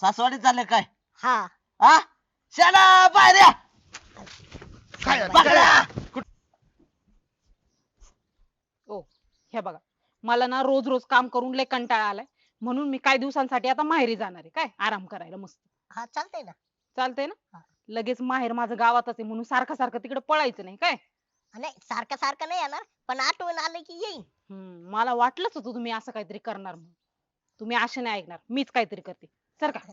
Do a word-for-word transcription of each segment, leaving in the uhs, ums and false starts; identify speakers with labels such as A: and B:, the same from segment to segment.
A: सासवाडी चालले काय
B: हा
A: हा शाला बाहेर या
C: काय
A: पकडा.
D: ओ हे बघा मला ना रोज रोज काम करून लय कंटाळा आलाय म्हणून मी काही दिवसांसाठी आता माहेरी जाणार आहे काय आराम करायला मस्त
B: हा चालतंय ना.
D: चालतंय ना
B: हा.
D: लगेच माहेर माझं गावातच आहे म्हणून सारखं सारखं तिकडे पळायचं नाही काय
B: नाही सारखं सारखं नाही येणार पण आठवण आलं की येईन.
D: हम्म मला वाटलंच होतं तुम्ही असं काहीतरी करणार म्हणून तुम्ही असे नाही ऐकणार मीच काहीतरी करते सर का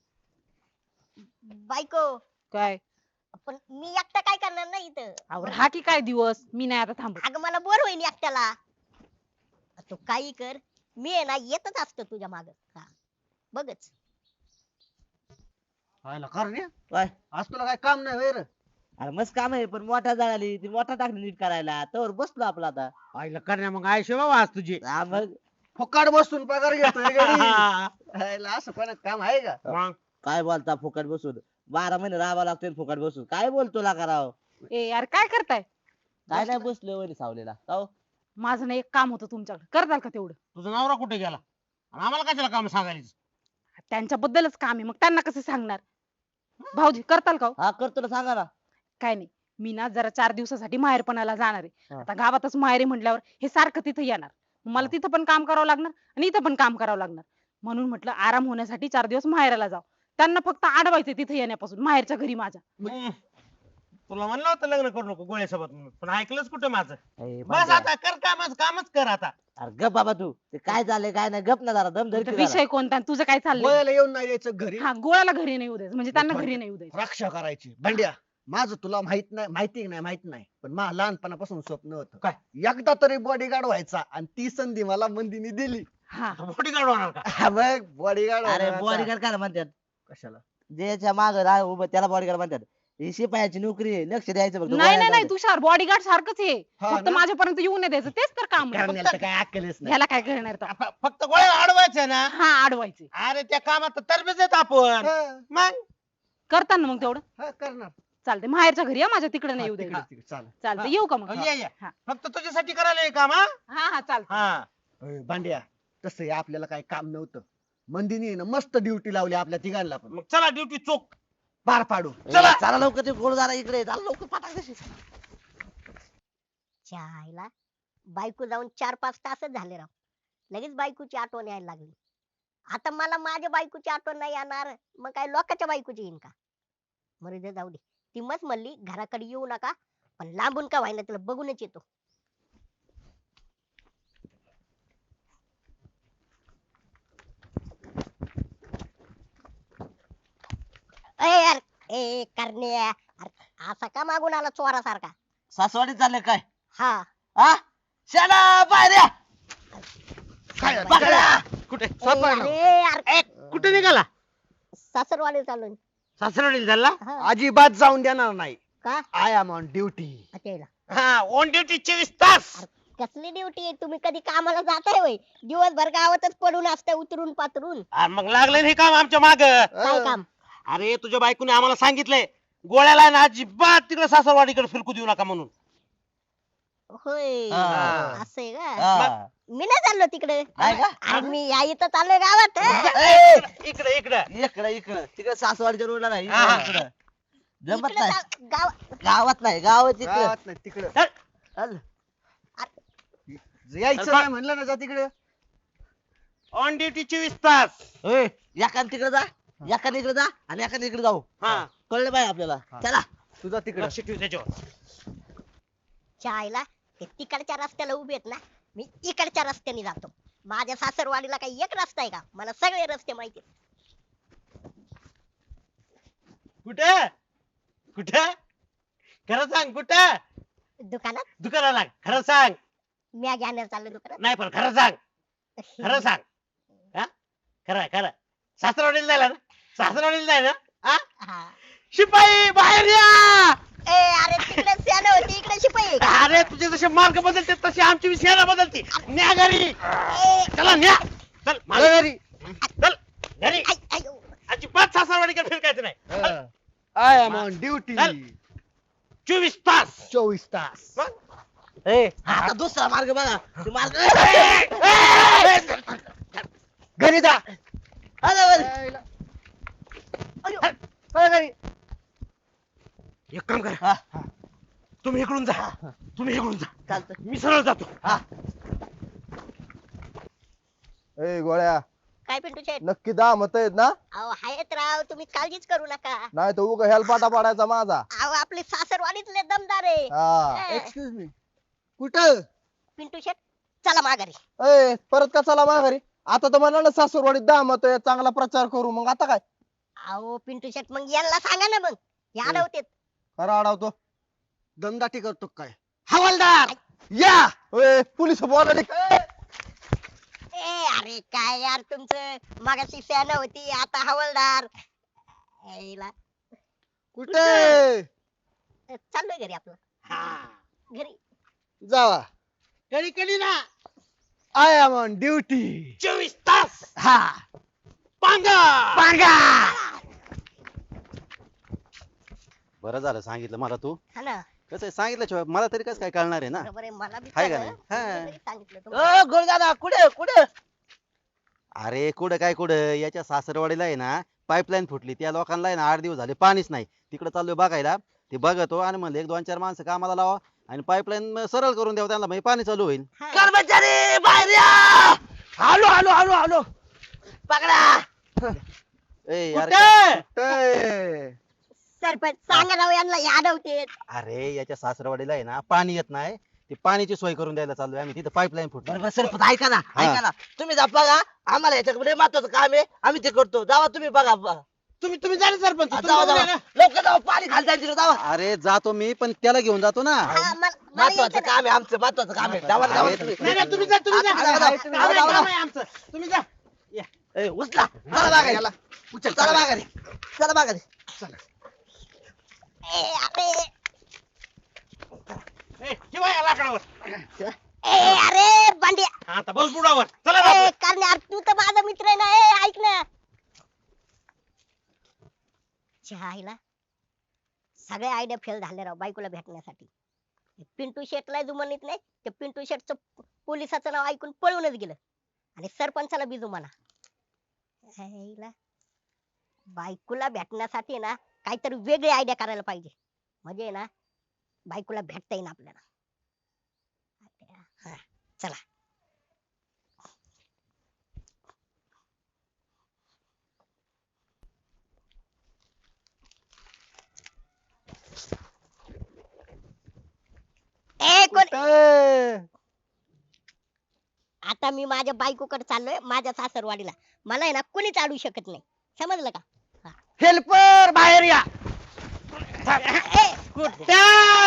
B: बायको
D: काय
B: पण मी एकटा काय करणार नाही इथं.
D: अहो हा की काय दिवस मी नाही आता थांबत
B: अगं मला बोर होईन एकट्याला. तू काही कर मी आहे ना येतच असतो तुझ्या माग. हा बघच.
C: व्हायला करण्या
A: काय
C: आज तुला काय काम नाही वैर
A: अरे मस्त काम आहे पण मोठा झाली ती मोठा टाकली नीट करायला तर बसलो आपला आता
C: आईला करण्या मग आयशे बाबा आज तुझी
A: हा, मग
C: फुकाट बसून पगार घेतोय गडी. आईला असं कोणात काम आहे का
E: मग
A: काय बोलता फुकट बसून बारा महिने राहावा लागतोय फुकट बसून काय बोलतो ला कराव
D: ए यार काय करताय
A: काय नाही बसलो वरी सावलेला काहो?
D: माझं ना एक काम होतं तुमच्याकडे करताल का तेवढं
E: तुझा नवरा कुठे गेला आणि आम्हाला कशाला काम सांगायचं
D: त्यांच्याबद्दलच काम आहे मग त्यांना कसं सांगणार भाऊजी करताल का हो?
A: हा करतो ना सांगा ना
D: काय नाही मी ना जरा चार दिवसासाठी माहेरपणाला जाणार आहे
A: हा.
D: आता गावातच माहेर आहे म्हटल्यावर हे सारखं तिथं येणार मग मला तिथं पण काम करावं लागणार आणि इथं पण काम करावं लागणार म्हणून म्हटलं आराम होण्यासाठी चार दिवस माहेराला जाऊ त्यांना फक्त अडवायचं तिथं येण्यापासून माहेरच्या घरी माझ्या
E: हम्म. तुला म्हणलं होतं लग्न करू नको गोळ्यासोबत म्हणून पण ऐकलंच कुठं माझं
A: ए,
E: बस
A: भांड्या.
E: आता कर कामच कामच कर आता
A: अरे गप बाबा तू ते काय झालंय काय नाही गप ना जरा दम धर
D: तर
A: की
D: विषय
A: जरा.
D: कोणता आणि तुझं काय चाललंय
C: वयाला येऊन नाही यायचं घरी
D: हा गोळ्याला घरी नाही उद्याच म्हणजे त्यांना घरी नाही उद्याच
C: रक्षा करायची भांड्या माझं तुला माहित नाही माहिती नाही माहित नाही पण मला लहानपणापासून स्वप्न होतं
E: काय?
C: एकदा तरी बॉडीगार्ड व्हायचा आणि ती संधी मला मंदीने दिली.
D: हा
E: मोठी गाड होणार का
C: हा, मग बॉडीगार्ड
A: अरे बॉडीगार्ड काय म्हणतात
C: कशाला
A: ज्याच्या माग राह उभं त्याला बॉडीगार्ड म्हणतात ही शिपायाची नोकरी आहे लक्ष द्यायचं फक्त
D: नाही नाही
A: गोळ्या
D: नाही
A: जाऊ
D: तुषार बॉडीगार्ड सारखंच आहे
C: हा
D: फक्त
C: ना?
D: माझ्यापर्यंत येऊन नाही द्यायचं तेच तर काम आहे.
C: करण्याला तर काय अक्कलच नाही.
D: ह्याला काय करणार तर
E: फ- फक्त गोळ्या अडवायचं ना
D: हा अडवायचे
E: अरे त्या कामात तरबेज येत आपण
C: हा,
E: मग
D: करताना मग तेवढं
C: हा, करणार
D: चालते माहेरच्या घरी या माझ्या तिकडे नाही येऊ
C: तिकडे-
D: द्यायचं
C: तिकडे, चालेल.
D: चालतं येऊ का मग
E: ये ये
D: हा.
E: फक्त तुझ्यासाठी करायला हे काम हा
D: हा हा चालतं
E: हा
C: अय, भांड्या तसं हे आपल्याला काही काम नव्हतं मंदीने ना मस्त ड्युटी लावली आपल्या तिघांना पण
E: मग चला ड्युटी चोक
C: पार पाडू
A: चला चला लवकर ते गोळ जरा इकडे चला लवकर पाठा कशी
B: चायला बायको जाऊन चार पाच तासच झाले राव. लगेच बायकोची आठवण यायला लागली. आता मला माझ्या बायकोची आठवण नाही येणार मग काय लोकांच्या बायकोची येईन का. मरू दे जाऊ दे. ती मस्त म्हणली घराकडे येऊ नका पण लांबून का व्हायना तिला बघूनच येतो. ए यार ए करण्या अरे, असा का मागून आला चोरासारखा.
A: सासवाडी चालले काय
B: हा
A: हा शाला बाहेर या
C: काय
A: पकडा.
E: कुठे
B: ए, अरे यार
E: ए, कुठे निघाला
B: सासरवाडी चालून
E: सासरवाडीला झाला
B: हा
C: अजिबात जाऊन देणार नाही.
B: का
C: आय एम ऑन ड्युटी.
B: अच्छा
E: हा ऑन ड्युटी चोवीस तास
B: कसली ड्युटी आहे तुम्ही कधी कामाला जाताय होय दिवसभर गावातच पडून असताय उतरून पातरून.
E: अरे मग लागलं हे काम आमच्या माग
B: काय काम
E: अरे तुझ्या बायकोने आम्हाला सांगितलंय गोळ्याला ना अजिबात तिकडे सासरवाडीकडे फिरकू देऊ नका म्हणून
B: होय
A: हा.
B: असं आहे का.
A: हा.
B: मी नाही चाललो तिकडे
A: नाही का?
B: अरे मी या इथं चाललोय गावात.
A: ए,
E: इकडे इकडे
A: इकडं इकडं तिकडे सासवाडीच्या रोडला नाही
E: हा, हा.
A: इकडं. जमत
B: इकडे
A: नाही
B: जा- गाव
A: गावात नाही गावात इकडं
C: गावात नाही तिकडं
A: चल.
C: यायचं नाही म्हणलं ना जा तिकडे.
E: ऑन ड्युटी चोवीस तास
A: ए, एकाने तिकडे जा एकाने इकडे जा आणि एकाने इकडे जाऊ
E: हा
A: कळलं पाहिजे आपल्याला
C: हा.
A: चला
C: तुझा तिकडे
E: लक्ष ठेव त्याच्यावर
B: चायला ते तिकडच्या रस्त्याला उभे आहेत ना मी इकडच्या रस्त्याने जातो. माझ्या सासरवाडीला काही एक रस्ता आहे का मला सगळे रस्ते माहिती आहेत.
E: कुठे कुठे खरं सांग कुठे
B: दुकानात
E: दुकानाला खरं सांग
B: म्या घेण्यार चाललो दुकानात.
E: नाही पण खरं सांग खरं सांग हा खरं आहे, खरं सासरवाडीला जायला ना सासरवाडीला जायला हा
B: हा.
E: शिपाई बाहेर या
B: ए अरे तिकडे सेना होती इकडे शिपाई आहे का?
E: अरे तुझे जसे मार्ग बदलते तशी आमची सेना बदलती न्या घरी
B: ए,
E: चला न्या चल माझ्या घरी चल घरी
B: आय, आयो.
E: अजिबात सासरवाडीकडे फिरकायचं नाही
C: आय एम ऑन ड्युटी.
E: चल. चोवीस तास
C: चोवीस तास.
E: मग
A: ए आता दुसरा मार्ग बघा ते मार्ग
C: घरी जा.
A: अरे, अरे.
E: एक काम
C: हा.
E: करा तुम्ही इकडून जा तुम्ही इकडून जा
A: चालतं.
E: मी सरळ जातो
F: ए गोळ्या
B: काय पिंटू शेट
F: नक्की दहा मत आहेत ना
B: अहो आहेत राव तुम्ही काळजीच करू नका
F: नाही तर उगा हेलपाटा पाडायचा माझा
B: अहो आपले सासरवाडीतले दमदार आहे
F: हा
B: हा.
C: एक्सक्यूज मी कुठं
B: पिंटू शेट चला माघारी
F: ए परत का चला माघारी आता तर म्हणलं ना सासूरवाडीत दहा मत आहे चांगला प्रचार करू मग आता काय
B: अहो पिंटू शेट मग यांना सांगा ना मग हे अडवतेत
F: खरा अडवतो
C: दमदाटी करतो काय
E: हवालदार
F: या ए पोलिस बोलायला
B: ए अरे काय यार तुमचं मागाशी सेना होती आता हवालदार यायला.
C: कुठे
B: चाललोय घरी आपलं
E: हा
B: घरी
C: जावा
E: कधी कधी ना
C: आय एम ऑन ड्युटी
E: चोवीस तास
C: हा
E: पांगा
C: पांगा
G: बरं झालं सांगितलं मला तू
B: हा ना
G: कसं आहे सांगितल्याशिवाय मला तरी कसं काय कळणार आहे ना
B: बरोबर आहे मला बी
G: हाय का
B: कळलं.
G: नाही? हा.
B: तुम्ही तरी सांगितलं तुम्हाला.
A: ओ गुरुदादा कुठे कुठे
G: अरे कुठं काय कुठं याच्या सासरवाडीला आहे ना पाईपलाईन फुटली त्या लोकांना आहे ना आठ दिवस झाले पाणीच नाही तिकडे चाललोय बघायला ते बघतो आणि म्हणलं एक दोन चार माणसं कामाला लावा आणि पाईपलाईन सरळ करून द्यावं त्यांना म्हणजे पाणी चालू होईल
B: हा.
A: कर्मचारी बाहेर या हॅलो हॅलो हॅलो हॅलो पकडा
G: ए यार
C: कुठे
B: सरपंच सांगा राव यांना हे अडवतेत
G: अरे याच्या सासरवाडीला आहे ना पाणी येत नाही ते पाण्याची सोय करून द्यायला चाललोय आम्ही तिथं पाईपलाईन फुटली
A: बरोबर सरपंच ऐका ना
G: हा.
A: ऐका ना तुम्ही जा बघा आम्हाला याच्याकडे महत्वाचं काम आहे आम्ही ते करतो जावा तुम्ही बघा बघा.
E: तुम्ही तुम्ही झाले सरपंच
A: हा,
E: तुम्ही
A: जावा
E: बघूया
A: जावा
E: ना.
A: लवकर जावा पाणी खाली जायचं जावा
G: अरे जातो मी पण त्याला घेऊन जातो ना
B: हा, मला- मला
A: महत्वाचं
B: यायचं
A: काम आहे आमचं महत्वाचं काम आहे जावा जावा
G: अरे,
A: तुम्ही.
E: नाही नाही, तुम्ही जा तुम्ही जा
A: हा, जावा, जावा, तुम्ही
E: आम्ही
A: जावा,
E: काम
A: जावा.
E: आहे आमचं तुम्ही जा
A: ए, उचला चला माघारी उचल चला माघारी चला माघारी
B: ए, अरे
E: ए, ठेवा या लाकडावर
B: ए, अरे बांड्या
E: आता बस बुडावर चला
B: ए,
E: बापरे.
B: कारण यार तू तर माझा मित्र आहे ना ए ऐक ना चहाईला सगळे आयडिया फेल झाले राव बायकोला भेटण्यासाठी पिंटू शेटला जुमानीत नाही ते पिंटू शेटचं पोलिसाचं नाव ऐकून पळूनच गेलं आणि सरपंचाला बी जुमाना आईला बायकोला भेटण्यासाठी ना काहीतरी वेगळी आयडिया करायला पाहिजे म्हणजे ना बायकोला भेटता येईन आपल्याला हा, चला ए कोण
F: कुठे
B: आता मी माझ्या बायकोकडे चाललोय माझ्या सासरवाडीला मला आहे ना कोणीच अडवू शकत नाही समजलं का
A: हेल्पर बाहेर या
B: ए,
E: कुठं?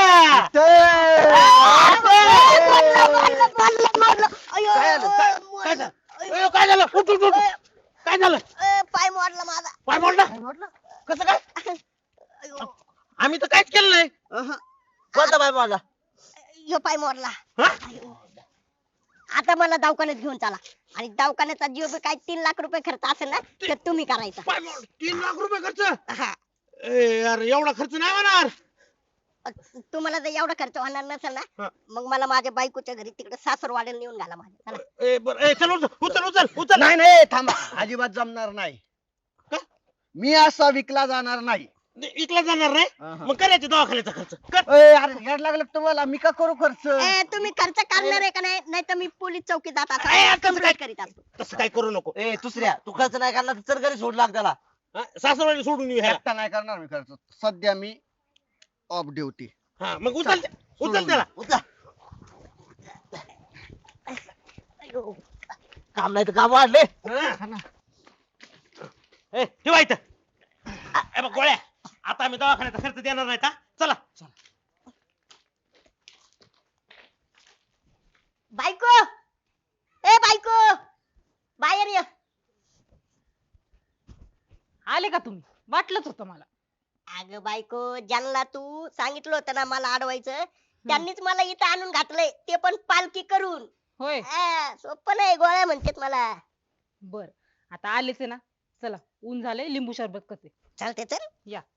B: मारलं, मारलं, मारलं, मारलं. अयो,
A: काय झालं?
E: काय
B: मारलं.
E: झालं? अयो, काय झालं उठ उठ उठ काय झालं
B: ए, पाय मोडला माझा
E: पाय मोडला कसं काय
B: अयो,
E: आम्ही तर काहीच केलं नाही
A: कोणता बाय मला
B: ह्यो पाय मोडला
E: हा?
B: अयो. आता मला दवाखान्यात घेऊन चला आणि दवाखान्याचा जीव बी काय तीन लाख रुपये खर्च असेल ना ते तुम्ही करायचा
E: पाय मोड तीन लाख रुपये खर्च
B: हा
E: ए यार एवढा खर्च नाही होणार
B: तुम्हाला जर एवढा खर्च होणार नसेल
E: हा.
B: ना मग मला माझ्या बायकोच्या घरी तिकडे सासरवाड्याला नेऊन घाला माझ्या चला.
E: ए बर ए चल उचल उचल उचल उचल
C: नाही नाही थांबा अजिबात जमणार नाही
E: का?
C: मी असा विकला जाणार नाही
E: इकला जाणार नाही
C: अहं.
E: मग करायचे दवाखान्याचा खर्च कर
C: ए, अरे याड लागलं का तुम्हाला मी का करू खर्च
B: ए तुम्ही खर्च करणार आहे का नाही नाही तर मी पोलीस चौकीत जात
E: ए,
B: असं
E: कसं
B: कंप्लेंट करीत असतो
E: तसं काय करू नको
A: ए दुसऱ्या तू खर्च नाही करणार तर चल घरी सोड लाग त्याला
E: हा, सासरवाडी सोडून येऊ ह्याला
C: एकटा नाही करणार मी खर्च सध्या मी ऑफ ड्युटी
E: हा मग उचल त्या- उचल त्याला
A: उचला काम नाही तर काम वाढले
E: हा. ए ठेवा इथं ए बघ गोळ्या आता आम्ही दवाखान्याचा खर्च देणार नाही का चला
B: बायको ए बायको बाहेर ये
D: आले का तुम्ही वाटलंच होतं मला
B: अगं बायको ज्यांना तू सांगितलं होतं ना मला अडवायचं त्यांनीच मला इथं आणून घातलंय ते पण पालखी करून
D: होय
B: आ, सोपं नाही गोळ्या म्हणतात मला
D: बर आता आलेच आहे ना चला ऊन झाले लिंबू सरबत कसे
B: चालते चल
D: या